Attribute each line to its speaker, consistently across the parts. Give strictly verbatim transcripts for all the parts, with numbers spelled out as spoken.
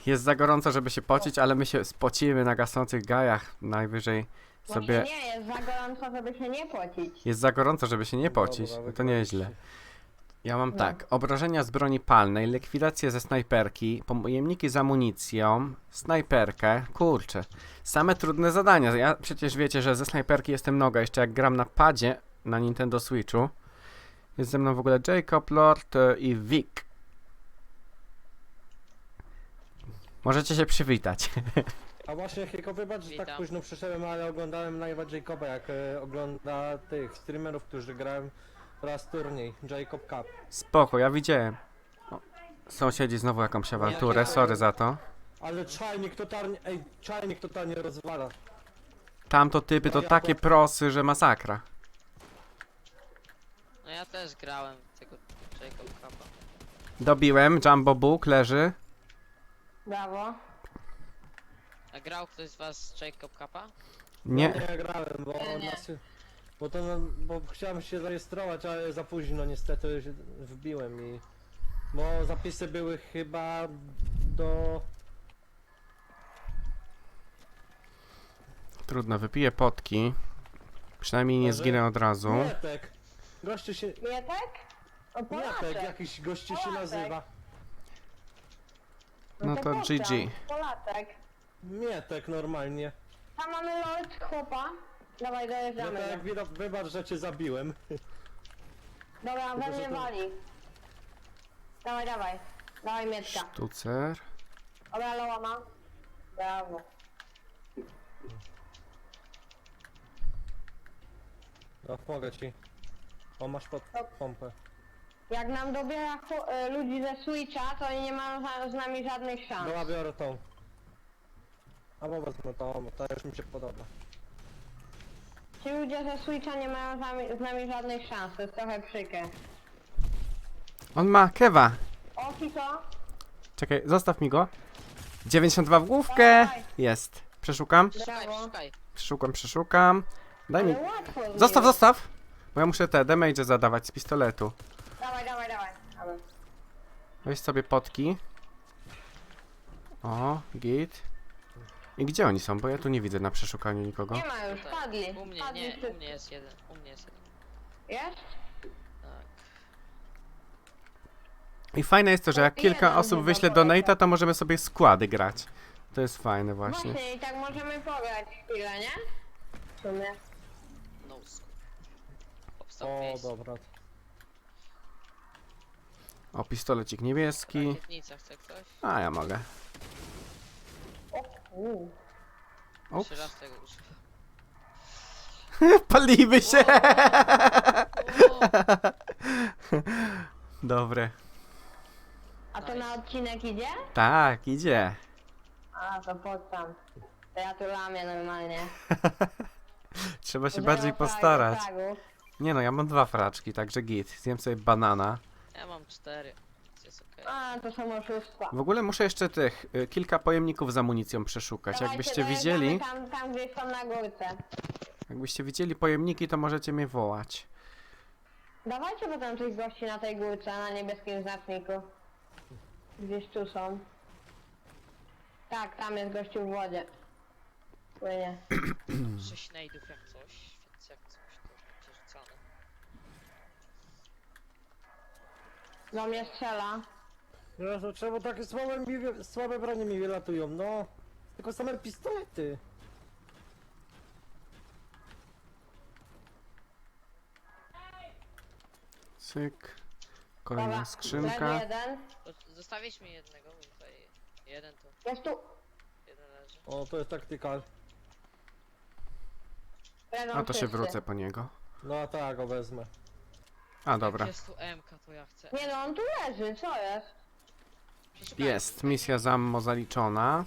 Speaker 1: Jest za gorąco, żeby się pocić, ale my się spocimy na gasnących gajach. Najwyżej sobie...
Speaker 2: Właśnie nie, jest za gorąco, żeby się nie pocić.
Speaker 1: Jest za gorąco, żeby się nie pocić.
Speaker 3: Dobra,
Speaker 1: No to nieźle.
Speaker 3: wykładźcie.
Speaker 1: Ja mam
Speaker 2: No.
Speaker 1: tak, obrażenia z broni palnej, likwidację ze snajperki, pojemniki z amunicją, snajperkę, kurczę, same trudne zadania. Ja przecież wiecie, że ze snajperki jestem noga, jeszcze jak gram na padzie na Nintendo Switchu. Jest ze mną w ogóle Jacob, Lord e, i Vic. Możecie się przywitać.
Speaker 3: A właśnie, Hiko, wybacz, że tak
Speaker 4: Witam.
Speaker 3: późno przyszedłem, ale oglądałem live'a Jacoba, jak e, ogląda tych streamerów, którzy grałem raz turniej, Jacob Cup.
Speaker 1: Spoko, ja widziałem. O, sąsiedzi znowu jakąś awanturę, sorry za to.
Speaker 3: Ale czajnik totalnie, ej, czajnik totalnie rozwala.
Speaker 1: Tamto typy to takie prosy, że masakra.
Speaker 4: No ja też grałem w tego Jacob Cupa.
Speaker 1: Dobiłem, Jumbo Book leży.
Speaker 2: Brawo.
Speaker 4: A grał ktoś z was z Jacob Cupa?
Speaker 1: Nie,
Speaker 3: No, nie grałem, bo
Speaker 4: Nie.
Speaker 3: nas, bo to, bo chciałem się zarejestrować, ale za późno niestety się wbiłem i... Bo zapisy były chyba do...
Speaker 1: trudno, wypiję potki. Przynajmniej nie
Speaker 3: Może-
Speaker 1: zginę od razu.
Speaker 3: Mietek! Gościu się...
Speaker 2: Mietek? O,
Speaker 3: Mietek,
Speaker 2: Polaczek.
Speaker 3: jakiś gościu się
Speaker 2: Polaczek.
Speaker 3: nazywa.
Speaker 1: No to
Speaker 2: pozdram.
Speaker 1: G G.
Speaker 2: Polaczek.
Speaker 3: Mietek normalnie.
Speaker 2: Tam mamy lord chłopa. Dawaj, dojeżdżamy.
Speaker 3: Mietek,
Speaker 2: go.
Speaker 3: widok, wybacz, że cię zabiłem.
Speaker 2: Dobra, we
Speaker 3: Tylko, że
Speaker 2: mnie
Speaker 3: to-
Speaker 2: wali. Dawaj, dawaj. Dawaj Mietka.
Speaker 1: Sztucer.
Speaker 2: Dobra, loła ma. Brawo.
Speaker 3: No, pomogę ci. O, masz pod pompę.
Speaker 2: Jak nam dobiera chu- y, ludzi ze Switcha, to oni nie mają za- z nami żadnych szans.
Speaker 3: Dobra, biorę tą. Albo wezmę tą, ta już mi się podoba.
Speaker 2: Ci ludzie ze Switcha nie mają z nami, z nami żadnych szans, to jest trochę przykre.
Speaker 1: On ma kewa.
Speaker 2: O, Kiko,
Speaker 1: Czekaj, zostaw mi go. dziewięćdziesiąt dwa w główkę.
Speaker 2: Dawaj.
Speaker 1: Jest. Przeszukam.
Speaker 4: Szukaj,
Speaker 2: Brawo.
Speaker 4: szukaj.
Speaker 1: Przeszukam, przeszukam. Daj mi.
Speaker 2: ale łatwo
Speaker 1: Zostaw,
Speaker 2: zrobiłeś.
Speaker 1: zostaw. Bo ja muszę te damage zadawać z pistoletu.
Speaker 2: Dawaj, dawaj, dawaj. Dawaj.
Speaker 1: Weź sobie potki. O, git. I gdzie oni są? Bo ja tu nie widzę na przeszukaniu nikogo.
Speaker 2: Nie ma już,
Speaker 4: Tutaj.
Speaker 2: padli.
Speaker 4: U mnie
Speaker 2: padli
Speaker 4: nie,
Speaker 2: wszyscy.
Speaker 4: u mnie jest jeden, u mnie jest jeden.
Speaker 2: Jest?
Speaker 4: Tak.
Speaker 1: I fajne jest to, że jak kilka
Speaker 2: Jeden
Speaker 1: osób
Speaker 2: chyba
Speaker 1: wyśle
Speaker 2: polega.
Speaker 1: donate'a, to możemy sobie składy grać. To jest fajne właśnie.
Speaker 2: Właśnie, i tak możemy pograć chwilę, nie? W sumie.
Speaker 4: No scope. Powstał
Speaker 3: O,
Speaker 4: miejsce.
Speaker 3: dobra.
Speaker 1: O, pistolecik niebieski.
Speaker 4: Rakietnica chce ktoś?
Speaker 1: A, ja mogę.
Speaker 2: O, uu.
Speaker 1: Ups.
Speaker 4: Trzy raz tego używa.
Speaker 1: Palimy się!
Speaker 4: O,
Speaker 1: Dobre.
Speaker 2: A to
Speaker 4: Nice.
Speaker 2: na odcinek idzie?
Speaker 1: Tak, idzie.
Speaker 2: A, to poddam. To ja tu lamię normalnie.
Speaker 1: Trzeba się
Speaker 2: Zero
Speaker 1: bardziej
Speaker 2: frag-
Speaker 1: postarać.
Speaker 2: fragów.
Speaker 1: Nie no, ja mam dwa fraczki, także git. Zjem sobie banana.
Speaker 4: ja mam cztery. Więc jest okej.
Speaker 2: A, to są oszustwa.
Speaker 1: W ogóle muszę jeszcze tych y, kilka pojemników z amunicją przeszukać.
Speaker 2: Dawajcie,
Speaker 1: Jakbyście
Speaker 2: dojeżdżamy
Speaker 1: widzieli,
Speaker 2: Tam, tam gdzieś są na górce.
Speaker 1: jakbyście widzieli pojemniki, to możecie mnie wołać.
Speaker 2: Dawajcie potem tych gości na tej górce, na niebieskim znaczniku. Gdzieś tu są. Tak, tam jest gościu w wodzie. Płynie.
Speaker 4: Sześć nade'ów jak coś, więc jak coś to będzie rzucane.
Speaker 2: Do mnie strzela.
Speaker 3: Jezu, czemu takie słabe, mi, wy- słabe bronie mi wylatują, no? Tylko same pistolety.
Speaker 1: Cyk. Kolejna
Speaker 2: Dobra,
Speaker 1: skrzynka.
Speaker 2: leży jeden.
Speaker 4: To zostawić mi jednego, bo tutaj jeden to,
Speaker 2: Jest tu.
Speaker 4: jeden leży.
Speaker 3: O, to jest taktykal.
Speaker 2: Leżą
Speaker 1: A to się
Speaker 2: wszyscy.
Speaker 1: wrócę po niego.
Speaker 3: No a tak, go wezmę.
Speaker 1: A dobra.
Speaker 4: Jak jest tu M K, to ja chcę.
Speaker 2: Nie no, on tu leży, co jest?
Speaker 4: Przeszukajmy
Speaker 1: Jest,
Speaker 4: tutaj.
Speaker 1: misja z ammo zaliczona.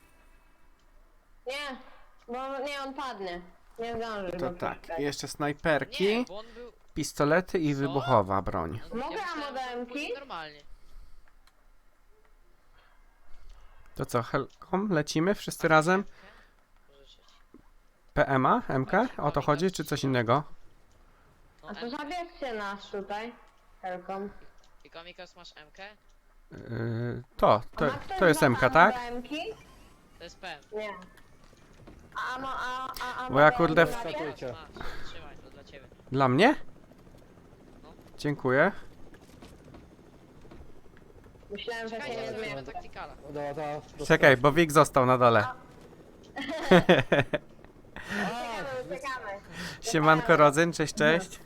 Speaker 2: Nie, bo nie, on padnie. Nie zdąży
Speaker 1: To
Speaker 2: go
Speaker 1: tak,
Speaker 2: przeszukać.
Speaker 1: jeszcze
Speaker 4: Nie,
Speaker 1: snajperki,
Speaker 4: bo on był...
Speaker 1: pistolety i
Speaker 4: Co?
Speaker 1: wybuchowa broń.
Speaker 4: No,
Speaker 2: Mogę
Speaker 4: myślałem, że
Speaker 2: amodemki?
Speaker 4: pójdzie normalnie.
Speaker 1: To co, Helkom, lecimy wszyscy razem?
Speaker 4: Pożyczyć.
Speaker 1: P M A, M K? O to chodzi, czy coś innego?
Speaker 4: No,
Speaker 2: A to
Speaker 4: M K.
Speaker 2: zabierzcie nas tutaj. Helkom.
Speaker 4: I Komikas masz M K?
Speaker 1: Yy, to, to,
Speaker 2: A ma ktoś
Speaker 1: to jest
Speaker 2: dwa
Speaker 1: M K, tak?
Speaker 2: ammo-B M-ki?
Speaker 4: To jest P M.
Speaker 2: Nie. A, a, a, a, a
Speaker 1: Bo ja,
Speaker 2: B M
Speaker 1: kurde,
Speaker 2: ki
Speaker 1: w-
Speaker 2: macie?
Speaker 3: Skakujcie.
Speaker 4: Masz, trzymaj, to dla ciebie.
Speaker 1: Dla mnie?
Speaker 4: No.
Speaker 1: Dziękuję.
Speaker 2: Myślałem, że się
Speaker 4: Czekajcie,
Speaker 2: nie
Speaker 4: zrobimy
Speaker 2: zmieni.
Speaker 4: taktykala.
Speaker 3: Dobra, to, to
Speaker 1: Czekaj, bo Wik został na dole.
Speaker 2: Uciekamy, uciekamy.
Speaker 1: Siemanko Rodzyn, cześć, cześć.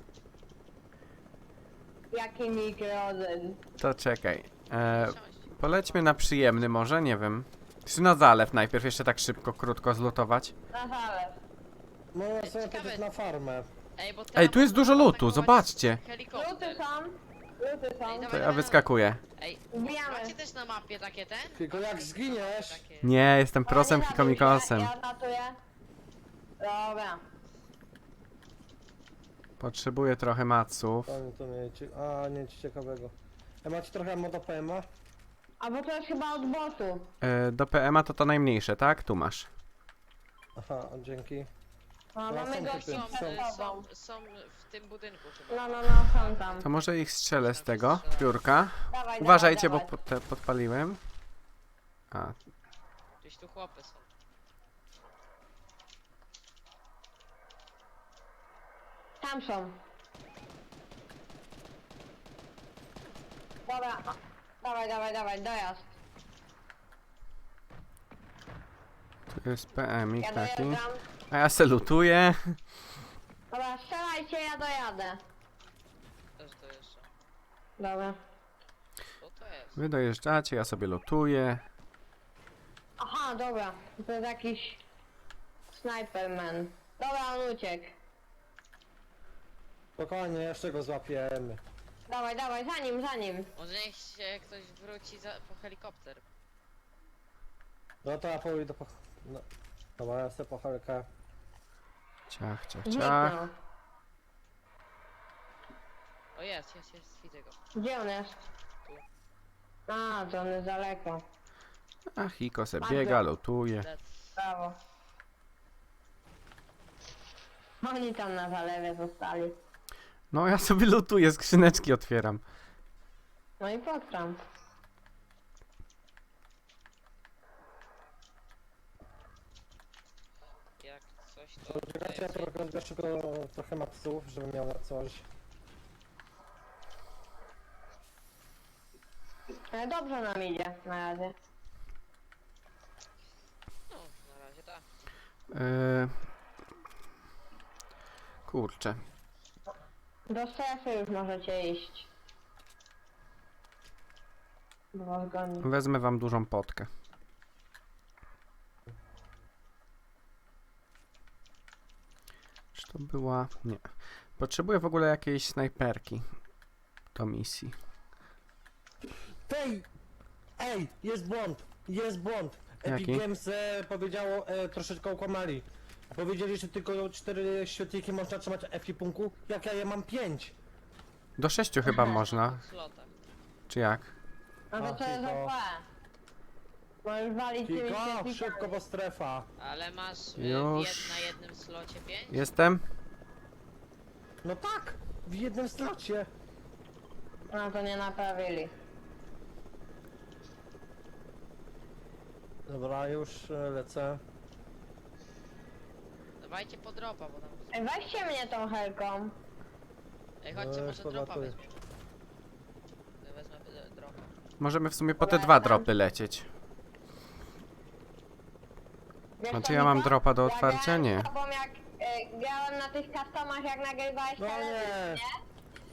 Speaker 2: Jaki mikrozen.
Speaker 1: To czekaj. E, polećmy na przyjemny może, nie wiem. Czy na zalew najpierw, jeszcze tak szybko, krótko zlutować.
Speaker 2: Na zalew.
Speaker 3: Można sobie
Speaker 4: Ciekawe.
Speaker 3: powiedzieć na farmę.
Speaker 4: Ej, bo
Speaker 1: Ej, tu jest dużo lutu, zobaczcie.
Speaker 2: Luty
Speaker 4: Helikopter.
Speaker 2: są. Luty są.
Speaker 4: Ej,
Speaker 1: To ja wyskakuję.
Speaker 4: Ej,
Speaker 2: Wbijamy.
Speaker 4: macie też na mapie takie ten?
Speaker 3: Tylko jak zginiesz,
Speaker 4: Takie...
Speaker 1: Nie, jestem
Speaker 2: O,
Speaker 1: prosem
Speaker 2: nie zabił
Speaker 1: hikomikosem.
Speaker 2: się, Ja zatuję. Dobra.
Speaker 1: Potrzebuję trochę maców.
Speaker 3: to, to nie, ci- a nie nic ciekawego. E, macie trochę moda P M a?
Speaker 2: A bo to jest chyba od botu.
Speaker 1: E, do P M a to to najmniejsze, tak? Tu masz.
Speaker 3: Aha, dzięki.
Speaker 2: No,
Speaker 3: Ja
Speaker 2: mamy
Speaker 3: są
Speaker 2: gości
Speaker 3: typy.
Speaker 4: Są,
Speaker 2: przed
Speaker 4: e,
Speaker 2: sobą.
Speaker 4: są, są w tym budynku chyba.
Speaker 2: No, no, no, są tam.
Speaker 1: To może ich strzelę z tego piórka.
Speaker 2: Dawaj,
Speaker 1: Uważajcie, bo
Speaker 2: dawaj,
Speaker 1: po- te podpaliłem. A,
Speaker 4: Gdzieś tu chłopy są.
Speaker 2: Tam są. Dobra. Dawaj, dawaj, dawaj, dojazd.
Speaker 1: tu jest P M ik
Speaker 2: Ja
Speaker 1: taki.
Speaker 2: dojeżdżam.
Speaker 1: A ja se lutuję.
Speaker 2: Dobra, strzelajcie, ja dojadę.
Speaker 4: Też dojeżdżam.
Speaker 2: Dobra.
Speaker 4: Co to jest?
Speaker 1: Wy dojeżdżacie, ja sobie lutuję.
Speaker 2: Aha, dobra. To jest jakiś Sniperman. Dobra, on uciekł.
Speaker 3: Spokojnie, jeszcze go złapiemy.
Speaker 2: Dawaj, dawaj, za nim, za nim.
Speaker 4: Może niech się ktoś wróci za, po helikopter.
Speaker 3: No to ja pójdę po... No. Dobra, ja sobie po helkę.
Speaker 1: Ciach, ciach, ciach.
Speaker 2: Zniknął.
Speaker 4: O jest, jest, jest, widzę go.
Speaker 2: Gdzie on jest? A, to on jest daleko.
Speaker 1: A Hiko se
Speaker 2: Masz
Speaker 1: biega,
Speaker 2: go.
Speaker 1: lutuje.
Speaker 4: Dead.
Speaker 2: Brawo. Oni tam na zalewie zostali.
Speaker 1: No ja sobie lutuję, skrzyneczki otwieram.
Speaker 2: No i podkram.
Speaker 4: Jak coś to...
Speaker 3: Czekajcie, ja trochę, jeszcze go trochę maksów, żeby miał na coś.
Speaker 2: Ale dobrze nam idzie na razie.
Speaker 4: No, na razie tak.
Speaker 1: Yy... Kurczę.
Speaker 2: Do strefy już możecie iść. Bo was goni.
Speaker 1: Wezmę wam dużą potkę. Czy to była... Nie. Potrzebuję w ogóle jakiejś snajperki do misji.
Speaker 3: Tej! Ej, jest błąd! Jest błąd! Epic
Speaker 1: Jaki?
Speaker 3: Games e, powiedziało, e, troszeczkę okłamali. Powiedzieli, że tylko cztery świetliki można trzymać w ekipunku, jak ja je mam pięć.
Speaker 1: Do sześciu chyba
Speaker 2: Aha.
Speaker 1: można.
Speaker 4: W slotach.
Speaker 1: Czy jak?
Speaker 2: No to
Speaker 3: A,
Speaker 2: to jest
Speaker 3: tylko-
Speaker 2: O P. Możesz walić tymi
Speaker 3: Tylko
Speaker 2: świetlikami.
Speaker 3: szybko, bo strefa.
Speaker 4: Ale masz y, w
Speaker 1: Już.
Speaker 4: jed, na jednym slocie pięć?
Speaker 1: Jestem?
Speaker 3: No tak! W jednym slocie.
Speaker 2: No to nie naprawili.
Speaker 3: Dobra, już e, lecę.
Speaker 4: Dawajcie po dropa, bo tam...
Speaker 2: Ej, weźcie mnie tą helką.
Speaker 4: Ej, chodźcie,
Speaker 3: No,
Speaker 4: może
Speaker 3: już
Speaker 4: dropa
Speaker 3: podlatuję.
Speaker 4: weźmiemy. Ja wezmę y, dropa.
Speaker 1: Możemy w sumie po te
Speaker 2: Dobra,
Speaker 1: dwa
Speaker 2: ja tam-
Speaker 1: dropy lecieć.
Speaker 2: Wiesz
Speaker 1: Znaczy
Speaker 2: co,
Speaker 1: ja mam
Speaker 2: Niko?
Speaker 1: dropa do
Speaker 2: Ja
Speaker 1: otwarcia?
Speaker 2: grałem
Speaker 1: Nie.
Speaker 2: z tobą jak e, grałem na tych customach, jak nagrywałeś
Speaker 3: No
Speaker 2: teledysk,
Speaker 3: nie!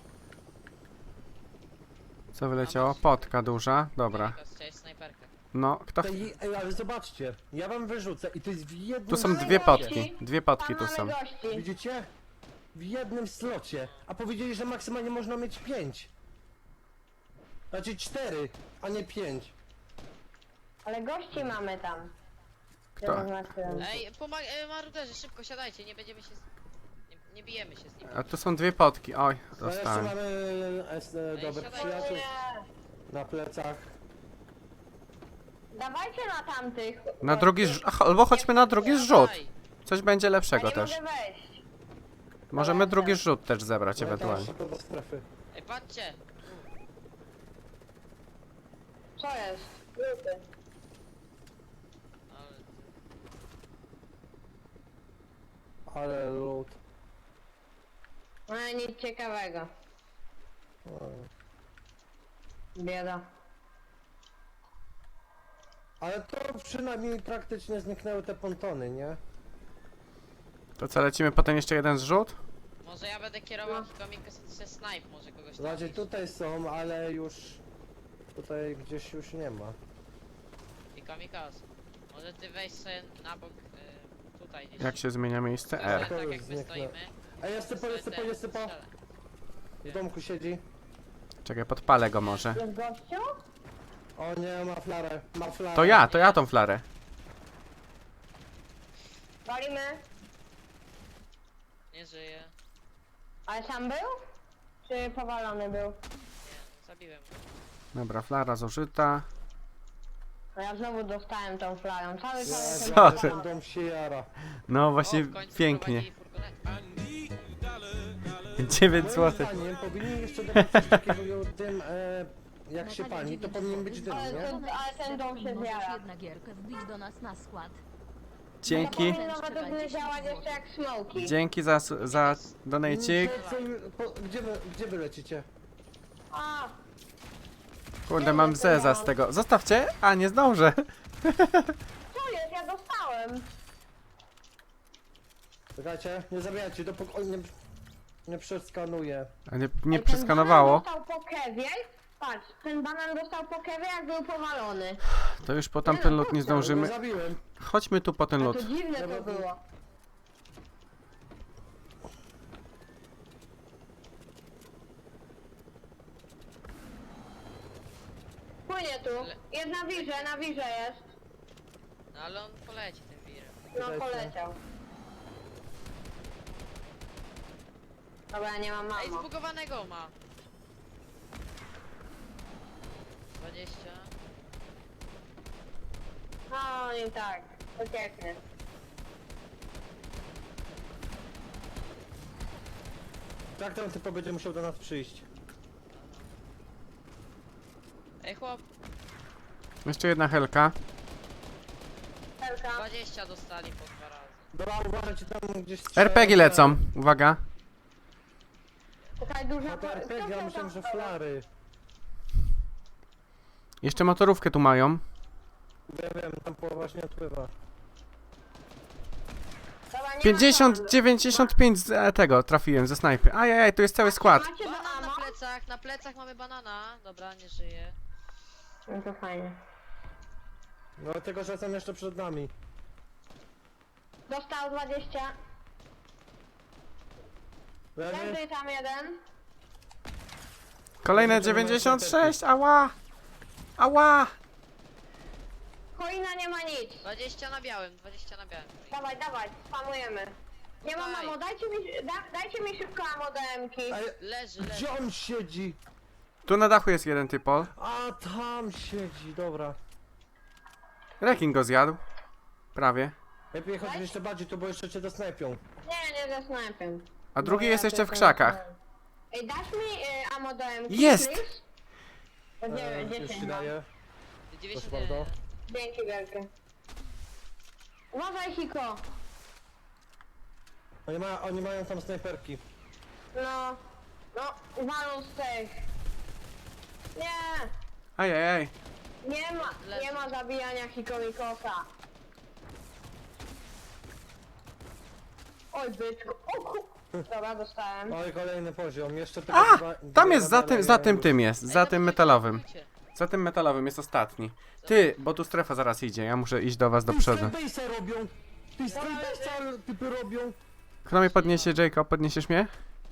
Speaker 1: Co wyleciało? Potka duża. Dobra.
Speaker 4: Nikos, chciałeś snajperkę.
Speaker 1: No, kto... ch-
Speaker 3: Tej, ej, ale zobaczcie, ja wam wyrzucę i to jest w jednym
Speaker 1: Tu są
Speaker 2: Mamy
Speaker 1: dwie
Speaker 2: gości.
Speaker 1: potki. Dwie potki
Speaker 2: Tam
Speaker 1: tu są.
Speaker 2: mamy gości.
Speaker 3: Widzicie? W jednym slocie. A powiedzieli, że maksymalnie można mieć pięć. Znaczy cztery, a nie pięć.
Speaker 2: Ale gości mamy tam.
Speaker 1: Kto?
Speaker 2: Zaznaczyłem.
Speaker 4: Ej, pomag... E, maruderzy, szybko siadajcie, nie będziemy się... Z... Nie, nie bijemy się z nim.
Speaker 1: A tu są dwie potki. Oj,
Speaker 3: No jeszcze
Speaker 1: dostałem.
Speaker 3: mamy es, e, dobrych
Speaker 4: siadaj.
Speaker 3: przyjaciół
Speaker 2: Nie.
Speaker 3: na plecach.
Speaker 2: Dawajcie na tamtych.
Speaker 1: Na drugi zrzut. Ach, albo chodźmy na drugi zrzut.
Speaker 4: Dawaj.
Speaker 1: Coś będzie
Speaker 2: Ja
Speaker 1: lepszego
Speaker 2: nie
Speaker 1: też.
Speaker 2: mogę wejść.
Speaker 1: Możemy drugi zrzut też zebrać
Speaker 3: No i teraz
Speaker 1: ewentualnie.
Speaker 3: szybko do strefy.
Speaker 4: Ej, patrzcie!
Speaker 2: Co jest? Luty.
Speaker 4: Ale...
Speaker 3: Ale loot.
Speaker 2: No nic ciekawego.
Speaker 3: O.
Speaker 2: Bieda.
Speaker 3: Ale to przynajmniej praktycznie zniknęły te pontony, nie?
Speaker 1: To co, lecimy potem jeszcze jeden zrzut?
Speaker 4: Może ja będę kierował komika se snipe, może kogoś
Speaker 3: Znaczy
Speaker 4: trafisz.
Speaker 3: tutaj są, ale już... Tutaj gdzieś już nie ma.
Speaker 4: I komikas. Może ty weź sobie na bok, y, tutaj gdzieś.
Speaker 1: Jak się zmienia miejsce?
Speaker 4: Tak,
Speaker 1: R.
Speaker 4: tak jak my
Speaker 3: Zniknę.
Speaker 4: stoimy.
Speaker 3: Ej, jest typo, jest typo, jest typo!
Speaker 4: Strzelę.
Speaker 3: W domku siedzi.
Speaker 1: Czekaj, podpalę go może.
Speaker 2: Jest gościu?
Speaker 3: O nie, ma flarę, ma flarę.
Speaker 1: To ja, to ja tą flarę.
Speaker 2: Walimy.
Speaker 4: Nie żyje.
Speaker 2: Ale sam był? Czy powalony był?
Speaker 4: Nie, zabiłem go.
Speaker 1: Dobra, flara zużyta.
Speaker 2: No ja znowu dostałem tą flarą. Cały
Speaker 3: Ja,
Speaker 2: czas
Speaker 1: Co
Speaker 3: ten-
Speaker 1: ty?
Speaker 3: ten dom się jara.
Speaker 1: No
Speaker 4: O,
Speaker 1: właśnie,
Speaker 4: w końcu
Speaker 1: pięknie.
Speaker 4: wprowadzili furgonetkę.
Speaker 1: dziewięć
Speaker 3: Moim
Speaker 1: złotych.
Speaker 3: zdaniem powinni jeszcze dodać coś takiego tym, e, jak się pali, to powinien być dym,
Speaker 2: Ale
Speaker 3: nie?
Speaker 2: ten, ale ten dom się
Speaker 5: Możesz
Speaker 2: zjara.
Speaker 5: jedna gierkę wbić do nas na skład.
Speaker 1: Dzięki.
Speaker 2: To powinno według mnie działać jeszcze jak smoki.
Speaker 1: Dzięki za, su- za donajcik.
Speaker 3: Co- co- po- Gdzie wy, gdzie wy lecicie?
Speaker 2: A,
Speaker 1: Kurde, mam zeza z tego. Zostawcie? A, nie zdążę.
Speaker 2: co jest? Ja dostałem.
Speaker 3: Czekajcie, nie zabijajcie, dopóki on nie, nie przeskanuję.
Speaker 1: A nie,
Speaker 2: Ej,
Speaker 1: nie
Speaker 2: ten
Speaker 1: przeskanowało.
Speaker 2: banan dostał po kewie. Patrz, ten banan dostał po kewie, jak był powalony.
Speaker 1: To już po tamten lód nie
Speaker 3: Nie
Speaker 1: zdążymy.
Speaker 3: zabiłem.
Speaker 1: Chodźmy tu po ten
Speaker 2: A
Speaker 1: lód.
Speaker 2: to dziwne to
Speaker 3: Dobra,
Speaker 2: było. Płynie tu. Jest na wirze, na wirze jest.
Speaker 4: No ale on poleci tym wirem.
Speaker 2: No
Speaker 3: Leci.
Speaker 2: poleciał. Dobra, nie mam
Speaker 4: Ej,
Speaker 2: mamo.
Speaker 4: zbugowanego ma. dwadzieścia.
Speaker 2: No i tak, ucieknie.
Speaker 3: Tak ten typo będzie musiał do nas przyjść.
Speaker 4: Ej chłop,
Speaker 1: Jeszcze jedna helka.
Speaker 2: Helka.
Speaker 4: dwadzieścia dostali po dwa razy.
Speaker 3: Dobra, uważajcie tam gdzieś...
Speaker 1: R P G lecą. Uwaga.
Speaker 2: Czekaj, duża...
Speaker 3: No to R P G, ja myślałem, że flary.
Speaker 1: Jeszcze motorówkę tu mają.
Speaker 3: Wiem, wiem, tam połowa właśnie odpływa.
Speaker 2: Dobra, nie ma
Speaker 1: pięćdziesiąt,
Speaker 2: mamo.
Speaker 1: dziewięćdziesiąt pięć z e, tego trafiłem ze snajpy. Ajajaj, tu jest cały skład.
Speaker 2: Macie do
Speaker 4: Banan na
Speaker 2: amo?
Speaker 4: plecach, na plecach mamy banana. Dobra, nie żyje.
Speaker 2: No to fajnie.
Speaker 3: No tylko, że są jeszcze przed nami.
Speaker 2: Dostał dwadzieścia.
Speaker 3: Leży?
Speaker 2: Leży tam jeden.
Speaker 1: Kolejne dziewięćdziesiąt sześć. Ała. Ała.
Speaker 2: Choina nie ma nic.
Speaker 4: dwadzieścia na białym, dwadzieścia na białym.
Speaker 2: Dawaj, dawaj, spamujemy. Nie mam
Speaker 4: Daj.
Speaker 2: mamo, dajcie mi, da, dajcie mi szybko amo do M-ki.
Speaker 3: Ej,
Speaker 4: Leży, leży.
Speaker 3: gdzie on siedzi?
Speaker 1: Tu na dachu jest jeden typol.
Speaker 3: A tam siedzi, dobra.
Speaker 1: Rekin go zjadł. Prawie.
Speaker 3: Lepiej chodź jeszcze bardziej tu, bo jeszcze cię dosnajpią.
Speaker 2: Nie, nie ze snajpem.
Speaker 1: A drugi
Speaker 2: Bo
Speaker 1: jest
Speaker 2: ja
Speaker 1: jeszcze w
Speaker 2: tylko-
Speaker 1: krzakach.
Speaker 2: Ej, dasz mi y, amo do M-ki,
Speaker 1: Jest!
Speaker 2: please? To
Speaker 3: E,
Speaker 2: dziewię-
Speaker 3: już
Speaker 2: dziesięć
Speaker 3: ci
Speaker 2: mam.
Speaker 3: daję.
Speaker 4: dziewięćdziesiąt
Speaker 3: Proszę bardzo.
Speaker 2: Dzięki wielkie. Uważaj, Hiko.
Speaker 3: Oni, ma, oni mają tam snajperki.
Speaker 2: No, no, walą z tych. Nie,
Speaker 1: Ajajaj.
Speaker 2: nie ma, nie ma zabijania Hikomikosa. Oj, byczku. O ku... Dobra, dostałem.
Speaker 3: Oj, kolejny poziom. Jeszcze tylko
Speaker 1: A!
Speaker 3: dwa-
Speaker 1: Tam
Speaker 3: dwie
Speaker 1: jest za
Speaker 3: medale
Speaker 1: tym, za
Speaker 3: i
Speaker 1: tym
Speaker 3: już.
Speaker 1: tym jest. Za
Speaker 4: Ej,
Speaker 1: tym
Speaker 4: no,
Speaker 1: metalowym.
Speaker 4: czekajcie.
Speaker 1: Za tym metalowym jest ostatni. Ty, bo tu strefa zaraz idzie. Ja muszę iść do was do
Speaker 3: Ty
Speaker 1: przodu.
Speaker 3: Skybase'a robią! Ty Skybase'a typy robią!
Speaker 1: Kto mnie podniesie, Jacob? Podniesiesz mnie?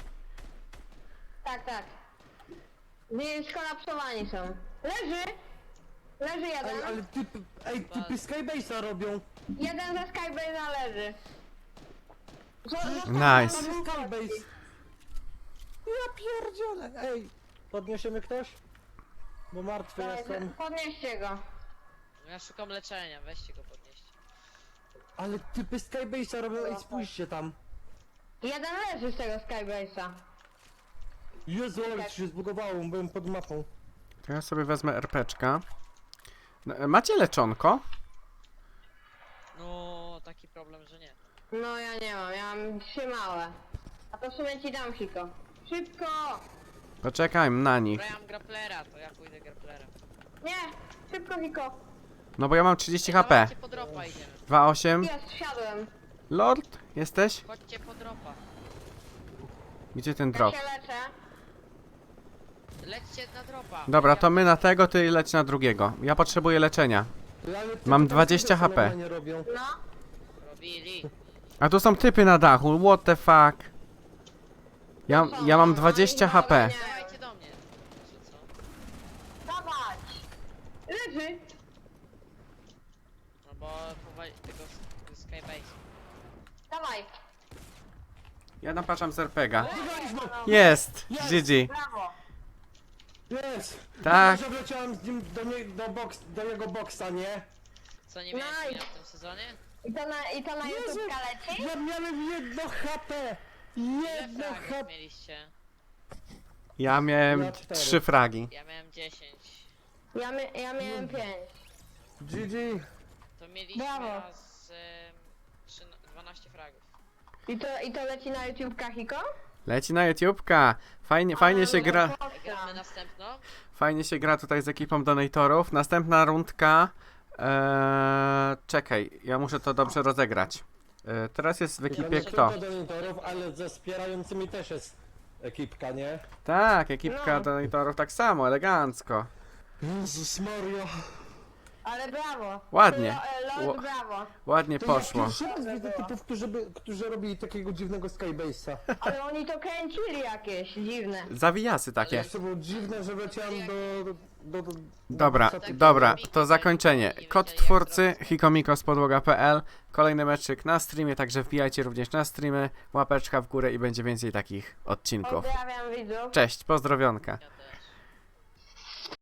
Speaker 2: Tak, tak. Nie, skolapsowani są. Leży! Leży
Speaker 3: Ej,
Speaker 2: jeden.
Speaker 3: ale typy, ej, typy Skybase'a robią!
Speaker 2: Jeden ze Skybase'a leży. Zo- został
Speaker 1: Nice.
Speaker 3: Tam
Speaker 2: jeden
Speaker 3: jest
Speaker 2: gość.
Speaker 3: Skybase! Ja pierdzielę! Ej! Podniesiemy ktoś? Bo martwy
Speaker 2: Dawaj,
Speaker 3: jestem.
Speaker 2: Podnieście go.
Speaker 4: Ja szukam leczenia, weźcie go podnieść.
Speaker 3: Ale typy Skybase'a robią, ej spójrzcie tam!
Speaker 2: Jeden leży z tego Skybase'a.
Speaker 3: Jezu, ale się zbugowało, byłem pod mapą.
Speaker 1: To ja sobie wezmę erpeczka. No, macie leczonko?
Speaker 4: No, taki problem, że nie.
Speaker 2: No ja nie mam, ja mam trzy małe. A to w sumie ci dam, Hiko. Szybko!
Speaker 1: Poczekaj na nich.
Speaker 4: Dobra, ja mam grapplera, to ja pójdę grapplera.
Speaker 2: Nie! Szybko, Hiko!
Speaker 1: No bo ja mam trzydzieści H P.
Speaker 4: Dawajcie po dropa idziemy.
Speaker 1: dwa osiem.
Speaker 2: Jest, wsiadłem.
Speaker 1: Lord, jesteś?
Speaker 4: Chodźcie po dropa.
Speaker 1: Gdzie ten
Speaker 2: Ja
Speaker 1: drop?
Speaker 2: się leczę.
Speaker 4: Lećcie na dropa.
Speaker 1: Dobra, to my na tego, ty leć na drugiego. Ja potrzebuję leczenia.
Speaker 3: Ty, ale ty
Speaker 1: Mam
Speaker 3: tam
Speaker 1: dwadzieścia
Speaker 3: sobie
Speaker 1: H P.
Speaker 3: normalnie robią.
Speaker 2: No.
Speaker 4: Robili.
Speaker 1: A tu są typy na dachu, what the fuck? Ja, ja mam dwadzieścia H P.
Speaker 4: Dawajcie do mnie. Czy co?
Speaker 2: Dawać! Leży!
Speaker 4: No bo powali tego z- z Skybase.
Speaker 2: Dawaj!
Speaker 1: Ja napatrzam z R P G a.
Speaker 3: Wygraliśmy!
Speaker 1: Jest! G G.
Speaker 2: Brawo!
Speaker 3: Jest!
Speaker 1: Tak.
Speaker 3: Że wleciałem z nim do, nie, do, boks, do jego boksa, nie?
Speaker 4: Co, nie miałeś
Speaker 2: Nice.
Speaker 4: mina w tym sezonie?
Speaker 2: I to na, i to na
Speaker 3: Jezu!
Speaker 2: YouTube leci?
Speaker 3: Ja miałem jedno H P!
Speaker 4: Ile
Speaker 3: Jedno
Speaker 4: fragów
Speaker 3: H P!
Speaker 4: mieliście?
Speaker 1: Ja miałem
Speaker 3: Ja cztery.
Speaker 1: trzy fragi.
Speaker 4: Ja miałem dziesięć.
Speaker 2: Ja, my, ja miałem pięć.
Speaker 3: G G!
Speaker 4: To mieliśmy
Speaker 2: Brawo.
Speaker 4: raz em, trzy- dwanaście fragów.
Speaker 2: I to, i to leci na YouTube Hiko?
Speaker 1: Leci na YouTubka. Fajnie, fajnie się gra.
Speaker 4: Gramy następną?
Speaker 1: Fajnie się gra tutaj z ekipą donatorów. Następna rundka. Eee, czekaj, ja muszę to dobrze rozegrać. Eee, teraz jest w ekipie
Speaker 3: Nie
Speaker 1: kto?
Speaker 3: tylko do monitorów, ale ze wspierającymi też jest ekipka, nie?
Speaker 1: Tak, ekipka
Speaker 2: No.
Speaker 1: donatorów tak samo, elegancko.
Speaker 3: Jezus Mario!
Speaker 2: Ale brawo!
Speaker 1: Ładnie.
Speaker 2: Lo- e, Lord,
Speaker 1: Ło-
Speaker 2: brawo!
Speaker 1: Ładnie
Speaker 3: To
Speaker 1: poszło.
Speaker 3: Ja pierwszy raz widzę typów, którzy, by, którzy robili takiego dziwnego Skybase'a.
Speaker 2: Ale oni to kręcili jakieś dziwne.
Speaker 1: Zawijasy takie.
Speaker 3: To było dziwne, że leciałem do... do, do, do
Speaker 1: Dobra,
Speaker 3: do boxa.
Speaker 1: dobra, to zakończenie. Kod twórcy hikomiko z podłoga kropka p l. Kolejny meczyk na streamie, także wbijajcie również na streamy. Łapeczka w górę i będzie więcej takich odcinków.
Speaker 2: Pozdrawiam widzów.
Speaker 1: Cześć, pozdrowionka.
Speaker 4: Ja